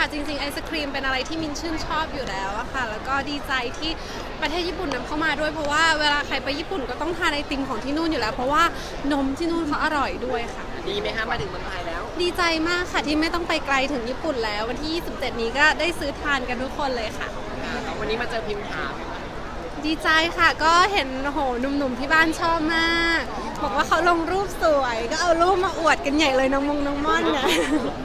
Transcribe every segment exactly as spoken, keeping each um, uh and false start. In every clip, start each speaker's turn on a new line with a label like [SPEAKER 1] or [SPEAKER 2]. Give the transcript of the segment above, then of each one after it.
[SPEAKER 1] ค่ะจริงๆไอศครีมเป็นอะไรที่มินชื่นชอบอยู่แล้วอะค่ะแล้วก็ดีใจที่ประเทศญี่ปุ่นนำเข้ามาด้วยเพราะว่าเวลาใครไปญี่ปุ่นก็ต้องทานไอติมของที่นู่นอยู่แล้วเพราะว่านมที่นู่นเขาอร่อยด้วยค่ะ
[SPEAKER 2] ดีไหมคะมาถึงเมืองไทยแล้ว
[SPEAKER 1] ดีใจมากค่ะที่ไม่ต้องไปไกลถึงญี่ปุ่นแล้ววันที่ยี่สิบเจ็ดนี้ก็ได้ซื้อทานกันทุกคนเลยค่ะ
[SPEAKER 2] วันนี้มาเจอพิมพ์ถาม
[SPEAKER 1] ดีใจค่ะก็เห็นโหหนุ่มๆที่บ้านชอบมากบอกว่าเขาลงรูปสวยก็เอารูปมาอวดกันใหญ่เลยน้องมงน้องม่อนเนี่ย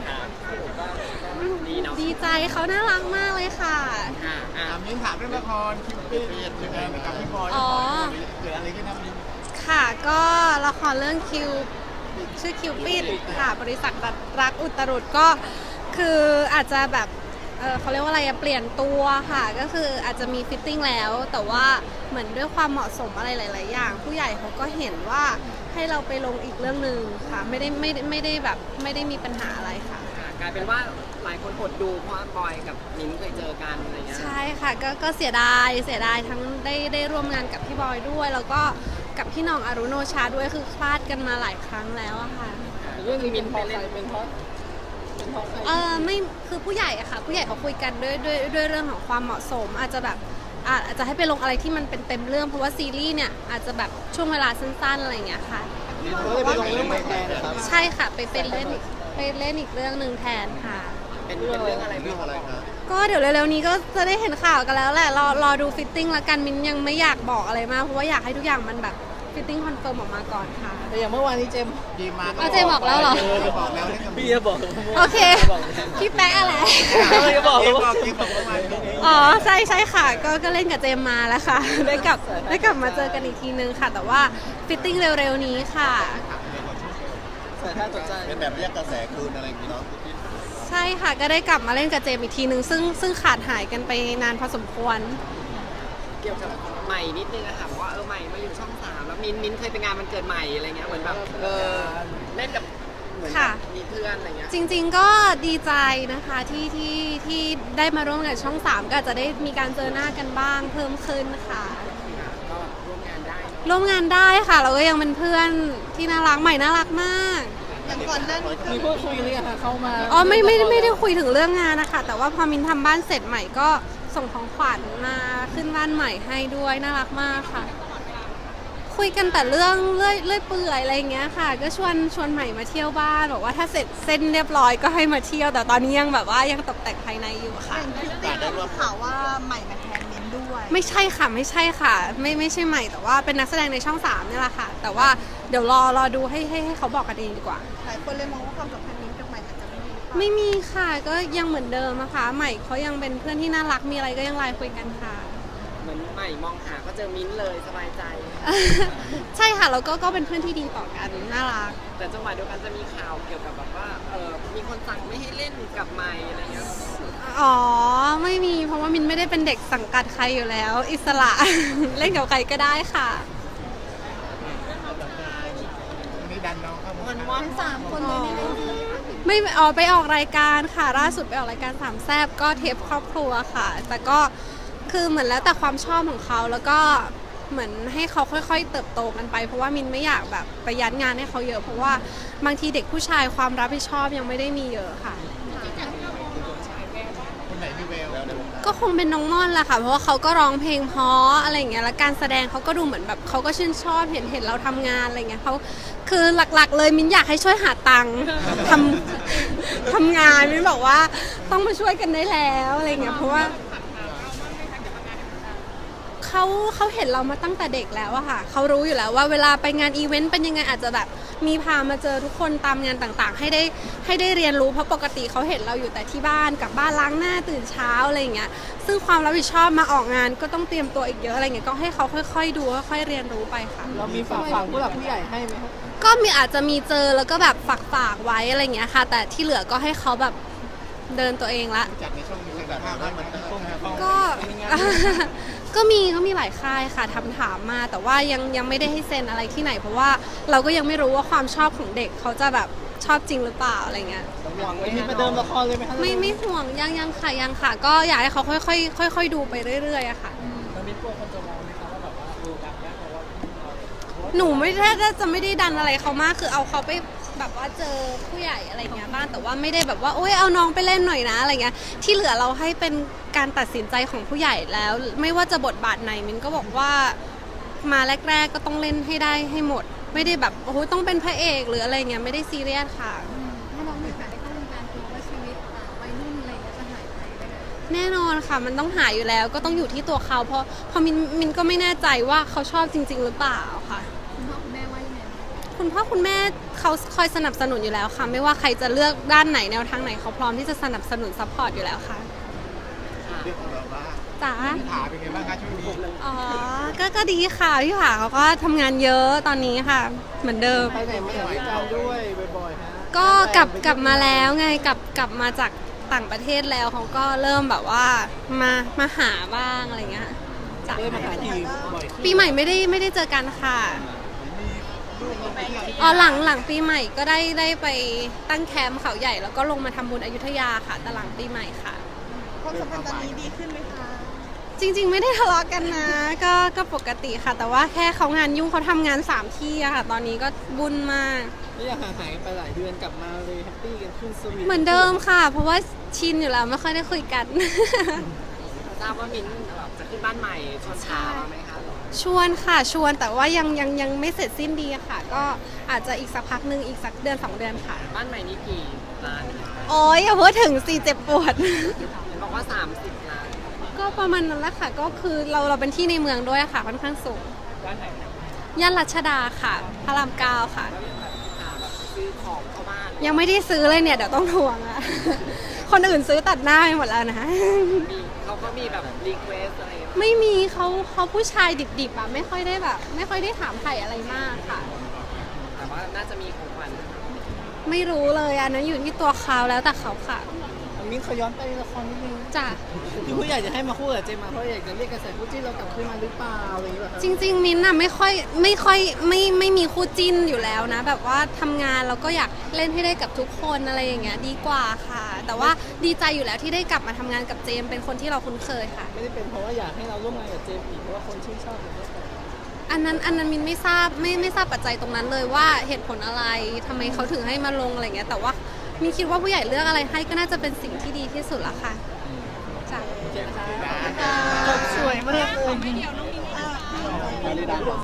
[SPEAKER 1] ดีใจเขาน่ารักมากเลยค่ะ
[SPEAKER 3] ถามมิ้นถามเรื่องละครคิวปิดยังไงกับพี่บอยอ๋อเกิดอะไรขึ้นนะมิ้น
[SPEAKER 1] ค่ะก็ละครเรื่องคิวชื่อคิวปิดค่ะบริษัทรักอุตรุดก็คืออาจจะแบบเออเขาเรียกว่าอะไรเปลี่ยนตัวค่ะก็คืออาจจะมีฟิตติ้งแล้วแต่ว่าเหมือนด้วยความเหมาะสมอะไรหลายๆอย่างผู้ใหญ่เขาก็เห็นว่าให้เราไปลงอีกเรื่องหนึ่งค่ะไม่ได้ไม่ไม่ได้แบบไม่ได้มีปัญหาอะไรค่ะ
[SPEAKER 2] กลายเป็นว่าหลายคนอดดูเพราะบอยกับมิ้นเคยเจอกันอะไรเงี้ย
[SPEAKER 1] ใช่ค่ะก็ก็เสียดายเสียดายทั้งได้ได้ร่วมงานกับพี่บอยด้วยแล้วก็กับพี่น้องอรุโนชาด้วยคือคลาดกันมาหลายครั้งแล้วอะค่ะ
[SPEAKER 2] เรื่องนี้มิ้นไปเล่นเป็นเพราะ
[SPEAKER 1] เออไม่คือผู้ใหญ่อะค่ะผู้ใหญ่เขาคุยกันด้วยด้วยด้วยเรื่องของความเหมาะสมอาจจะแบบอาจจะให้ไปลงอะไรที่มันเป็นเต็มเรื่องเพราะว่าซีรีส์เนี่ยอาจจะแบบช่วงเวลาสั้นๆอะไรอย่างเงี้ยค่ะ
[SPEAKER 3] ไปลงเรื่องใหม่แทนนะครับ
[SPEAKER 1] ใช่ค่ะไปเป็นเล่นไปเล่นอีกเรื่องหนึ่งแทนค่ะ
[SPEAKER 2] เป็นเรื่องอะไร
[SPEAKER 3] เรื่องอะไรครับ
[SPEAKER 1] ก็เดี๋ยวเร็วๆนี้ก็จะได้เห็นข่าวกันแล้วแหละรอรอดูฟิตติ้งแล้วกันมินยังไม่อยากบอกอะไรมากเพราะว่าอยากให้ทุกอย่างมันแบบฟิตติ้งคอนเฟิร์มออกมาก่อนค่ะ
[SPEAKER 4] แต่อย่างเมื่อวานนี้เจม
[SPEAKER 3] พีมา
[SPEAKER 1] เจมบอกแล้วเหรอ
[SPEAKER 3] บอกแล้ว
[SPEAKER 4] พี่จะบอก
[SPEAKER 1] โอเคพี่แป๊ะอะไร
[SPEAKER 4] พี่จะบอกว่า
[SPEAKER 1] อ๋อใช่ใช่ค่ะก็ก็เล่นกับเจมมาแล้วค่ะได้กลับได้กลับมาเจอกันอีกทีนึงค่ะแต่ว่าฟิตติ้งเร็วๆนี้ค่ะ
[SPEAKER 3] เป็นแบบเรียกกระแสคืนอะไรอย่างนี้เนาะ
[SPEAKER 1] ใช่ค่ะก็ได้กลับมาเล่นกับเจมอีกทีนึงซึ่งซึ่งขาดหายกันไปนานพอสมควร
[SPEAKER 2] เกี่ยวกับใหม่นิดนึงอะค่ะว่าเออใหม่มาอยู่ช่องสามแล้วมินมินเคยไปงานวันเกิดใหม่อะไรเงี้ยเหมือนแบบเออเล่นกับเหมือนมีเพื่อนอะไรเงี้ย
[SPEAKER 1] จริงๆก็ดีใจนะคะที่ที่ที่ได้มาร่วมงานช่องสามก็จะได้มีการเจอหน้ากันบ้างเพิ่มขึ้นค่ะ
[SPEAKER 2] ก็ร่วมงานได้
[SPEAKER 1] ร่วมงานได้ค่ะเราก็ยังเป็นเพื่อนที่น่ารักใหม่น่ารักมาก
[SPEAKER 4] อย่างก่อนเรื่องมีพูดคุยหรือยังคะเข้ามา
[SPEAKER 1] อ๋อไม่ไม่ไม่ได้คุยถึงเรื่องงานนะคะแต่ว่าพอมินทำบ้านเสร็จใหม่ก็ส่งของขวัญมาขึ้นบ้านใหม่ให้ด้วยน่ารักมากค่ะคุยกันแต่เรื่องเลื่อยเลื่อยเปื่อยอะไรอย่างเงี้ยค่ะก็ชวนชวนใหม่มาเที่ยวบ้านบอกว่าถ้าเสร็จเส้นเรียบร้อยก็ให้มาเที่ยวแต่ตอนนี้ยังแบบว่ายังตกแต่งภายในอยู่ค่ะ
[SPEAKER 4] แต่ได้รู้ข่าวว่าใหม่มาแทนมินด้วย
[SPEAKER 1] ไม่ใช่ค่ะไม่ใช่ค่ะไม่ไม่ใช่ใหม่แต่ว่าเป็นนักแสดงในช่องสามนี่แหละค่ะแต่ว่าเดี๋ยวรอรอดูให้ให้ให้เขาบอกกันเองดีกว่า
[SPEAKER 4] หลายคนเลยมองว่าความสัมพันธ์มินกับใหม่อาจจะไม่มี
[SPEAKER 1] ไม่มีค่ะก็ยังเหมือนเดิมนะคะใหม่เขายังเป็นเพื่อนที่น่ารักมีอะไรก็ยังไลน์คุยกันค่ะ
[SPEAKER 2] เหมือนใหม่มองหาก็เจอมิ้นเลยสบายใจ
[SPEAKER 1] ใช่ค่ะแล้วก็ก็เป็นเพื่อนที่ดีต่อกันน่ารัก
[SPEAKER 2] แต่จังหวะเดียวกันจะมีข่าวเกี่ยวกับแบบว่าเออมีคนสั่งไม่ให้เล่นกับใหม่อะไรเงี้ย
[SPEAKER 1] อ๋อไม่มีเพราะว่ามินไม่ได้เป็นเด็กสังกัดใครอยู่แล้วอิสระ เล่นกับใครก็ได้ค่ะ
[SPEAKER 3] นี่ดันน้องเข้ามา
[SPEAKER 2] วัน
[SPEAKER 4] สามคนเลยนี่
[SPEAKER 1] ไม่ออกไปออกรายการค่ะล่าสุดไปออกรายการสามแซ่บก็เทปครอบครัวค่ะแต่ก็คือเหมือนแล้วแต่ความชอบของเขาแล้วก็เหมือนให้เขาค่อยๆเติบโตกันไปเพราะว่ามินไม่อยากแบบไปยัดงานให้เขาเยอะเพราะว่าบางทีเด็กผู้ชายความรับผิดชอบยังไม่ได้มีเยอะค่ะ
[SPEAKER 3] คนไหนมีแวว
[SPEAKER 1] ก็คงเป็นน้องม่อนแหละค่ะเพราะว่าเขาก็ร้องเพลงเพราะอะไรอย่างเงี้ยแล้วการแสดงเขาก็ดูเหมือนแบบเขาก็ชื่นชอบเห็นเห็นเราทำงานอะไรเงี้ยเขาคือหลักๆเลยมินอยากให้ช่วยหาตังค์ทำทำงานมินบอกว่าต้องมาช่วยกันได้แล้วอะไรเงี้ยเพราะว่าเขาเขาเห็นเรามาตั้งแต่เด็กแล้วอะค่ะเขารู้อยู่แล้วว่าเวลาไปงานอีเวนต์เป็นยังไงอาจจะแบบมีพามาเจอทุกคนตามงานต่างๆให้ได้ให้ได้เรียนรู้เพราะปกติเขาเห็นเราอยู่แต่ที่บ้านกับบ้านล้างหน้าตื่นเช้าอะไรอย่างเงี้ยซึ่งความรับผิดชอบมาออกงานก็ต้องเตรียมตัวอีกเยอะอะไรเงี้ยก็ให้เขาค่อยๆดูค่อยๆเรียนรู้ไปค่ะ
[SPEAKER 4] เรามีฝากฝังผู้หลักผู้ใหญ่ให้ไหมครับ
[SPEAKER 1] ก็มีอาจจะมีเจอแล้วก็แบบฝากฝากไว้อะไรเงี้ยค่ะแต่ที่เหลือก็ให้เขาแบบเดินตัวเองละ
[SPEAKER 3] จัดในช่องนี้แบบว่ามัน
[SPEAKER 1] ก็ก็มีก็มีหลายค่ายค่ะทำถามมาแต่ว่ายังยังไม่ได้ให้เซ็นอะไรที่ไหนเพราะว่าเราก็ยังไม่รู้ว่าความชอบของเด็กเขาจะแบบชอบจริงหรือเปล่าอะไรเงี้ย
[SPEAKER 4] ห่วงไม่มีประเดิมละครเลยไหมคะ
[SPEAKER 1] ไม่ไม่ห่วงยังยังค่ะยังค่ะก็อยากให้เขาค่อยๆค่อยๆดูไปเรื่อยๆอะค่ะ
[SPEAKER 4] แล้วมีพวกคนจะมองไหมคะว่าแบบว่าดูดังยักษ์หรือว่า
[SPEAKER 1] หนูไม่ได้จะไม่ได้ดันอะไรเขามากคือเอาเขาไปแบบว่าเจอผู้ใหญ่อะไรเงี้ยบ้างแต่ว่าไม่ได้แบบว่าโอ๊ยเอาน้องไปเล่นหน่อยนะอะไรเงี้ยที่เหลือเราให้เป็นการตัดสินใจของผู้ใหญ่แล้ว ไม่ว่าจะบทบาทไหนมินก็บอกว่ามาแรก ๆก็ต้องเล่นให้ได้ให้หมด ไม่ได้แบบโอ้โหต้องเป็นพระเอกหรืออะไรเงี้ยไม่ได้ซีเรียสค่ะ
[SPEAKER 5] ถ้าน้องมีโอกาสได้เข้าวงการคือว่าชีวิตอ่าวัยรุ่นอะไรอย่างเงี้ยจะหายไปไหมคะ
[SPEAKER 1] แน่นอนค่ะมันต้องหาอยู่แล้วก็ต้องอยู่ที่ตัวเขาเพราะเพอมินมินก็ไม่แน่ใจว่าเขาชอบจริง ๆ หรือเปล่าค่ะ
[SPEAKER 5] คุณพ่อคุณแม่ว่ายังไงบ้าง
[SPEAKER 1] คุณพ่อคุณแม่เขาคอยสนับสนุนอยู่แล้วค่ะ ไม่ว่าใครจะเลือกด้านไหนแนวทางไหนเขาพร้อมที่จะสนับสนุนซัพพอร์ตอยู่แล้วค่ะ
[SPEAKER 3] เรื่องของเราบ้าง
[SPEAKER 1] จ๋า
[SPEAKER 3] พี่ถาเป็นไงบ้างคะช่วงนี้
[SPEAKER 1] อ๋อก็ก็ดีค่ะพี่ผาเขาก็ทำงานเยอะตอนนี้ค่ะ เหมือนเดิม
[SPEAKER 4] ไปไหนมาไหนด้วยกันด้วยบ่อยๆฮะ
[SPEAKER 1] ก็กลับกลับมาแล้วไงกลับกลับมาจากต่างประเทศแล้วเขาก็เริ่มแบบว่ามามาหาบ้างอะไรเงี้ยจ้ะ
[SPEAKER 4] เลยมาหาทีบ่อยขึ้น
[SPEAKER 1] ปีใหม่ไม่ได้ไม่ได้เจอกันค่ะอ๋อหลังหลังปีใหม่ก็ได้ได้ไปตั้งแคมป์เขาใหญ่แล้วก็ลงมาทำบุญอยุธยาค่ะแต่หลังปีใหม่ค่ะ
[SPEAKER 5] ความสัมพันธ์ตอนนี้ดีขึ้นไหมคะ
[SPEAKER 1] จริงๆไม่ได้ทะเลาะกันนะ ก็ก็ปกติค่ะ แต่ว่าแค่เขางานยุ่งเขาทำงานสามที่อะค่ะ ตอนนี้ก็บุญมาก
[SPEAKER 4] ไม่อยากห่างหายกันไปหลายเดือนกลับมาเลยแฮปปี้กันขึ้นสวีท
[SPEAKER 1] เหมือนเดิมค่ะ เพราะว่าชินอยู่แล้วไม่ค่อยได้คุยกัน
[SPEAKER 2] ทราบว่ามิ้นแบบจะขึ้นบ้านใหม่ชวนชามาไหมคะ
[SPEAKER 1] ชวนค่ะชวนแต่ว่ายังยังยังไม่เสร็จสิ้นดีอะค่ะ ก็อาจจะอีกสักพักหนึ่งอีกสักเดือนสองเดือนค่ะ
[SPEAKER 2] บ้านใหม่นี่กี่ล้าน
[SPEAKER 1] โอ้ยอย่าพูดถึงสิเจ็บปวด
[SPEAKER 2] เห็นบอกว่าสามสิบล้าน
[SPEAKER 1] ก็ประมาณนั้นแหละค่ะ ก็คือเราเราเป็นที่ในเมืองด้วยค่ะค่อนข้างสูง
[SPEAKER 2] บ้านไหน
[SPEAKER 1] ย่านรัชดาค่ะ พระรามเก้าค่ะ
[SPEAKER 2] แล้วยังแบบหาแบบซื้อของเข้าบ้าน
[SPEAKER 1] ยังไม่ได้ซื้อเลยเนี่ยเดี๋ยวต้องทวงอะ คนอื่นซื้อตัดหน้าไปหมดแล้วนะ
[SPEAKER 2] มีเขาก็มีแบบรีเควสอะไรอย่างเงี้ย
[SPEAKER 1] ไม่มีเขาเขาผู้ชายดิบๆอะไม่ค่อยได้แบบ ไม่ค่อยได้ถามไถ่อะไรมากค่ะ
[SPEAKER 2] แต่ว่าน่าจะมีของขวัญ
[SPEAKER 1] ไม่รู้เลยอันนั้นอยู่ที่ตัวเขาแล้วแต่เขาค่ะ
[SPEAKER 4] มิ้นเขาย้อนไปละครนิดนึง
[SPEAKER 1] จ้ะ
[SPEAKER 4] ที่ผู้ใหญ่จะให้มาคู่กับเจมมาเพราะอยากจะเรียกกระแสคู่จิ้นเรากลับคืนมาหรือเปล่าอะไรอย่างเงี้ยแบบ
[SPEAKER 1] จริง ๆ มิ้นท์อะไม่ค่อยไม่ค่อยไม่ไม่มีคู่จิ้นอยู่แล้วนะ แบบว่าทำงานเราก็อยากเล่นให้ได้กับทุกคนอะไรอย่างเงี้ยดีกว่าค่ะ แต่ว่าดีใจอยู่แล้วที่ได้กลับมาทำงานกับเจมส์เป็นคนที่เราคุ้นเคยค่ะ
[SPEAKER 4] ไม่ได้เป็นเพราะว่าอยากให้เราร่วมงานกับเจมอีกเพราะว่าคนชื่นชอบเราด้วยกัน
[SPEAKER 1] อันนั้นอันนั้นมินไม่ทราบไม่ไม่ทราบปัจจัยตรงนั้นเลยว่าเหตุผลอะไรทำไมเขาถึงให้มาลงอะไรเงี้ยแต่ว่ามินคิดว่าผู้ใหญ่เลือกอะไรให้ก็น่าจะเป็นสิ่งที่ดีที่สุดละค่ะจ้ะ
[SPEAKER 4] จบสวยมากเลย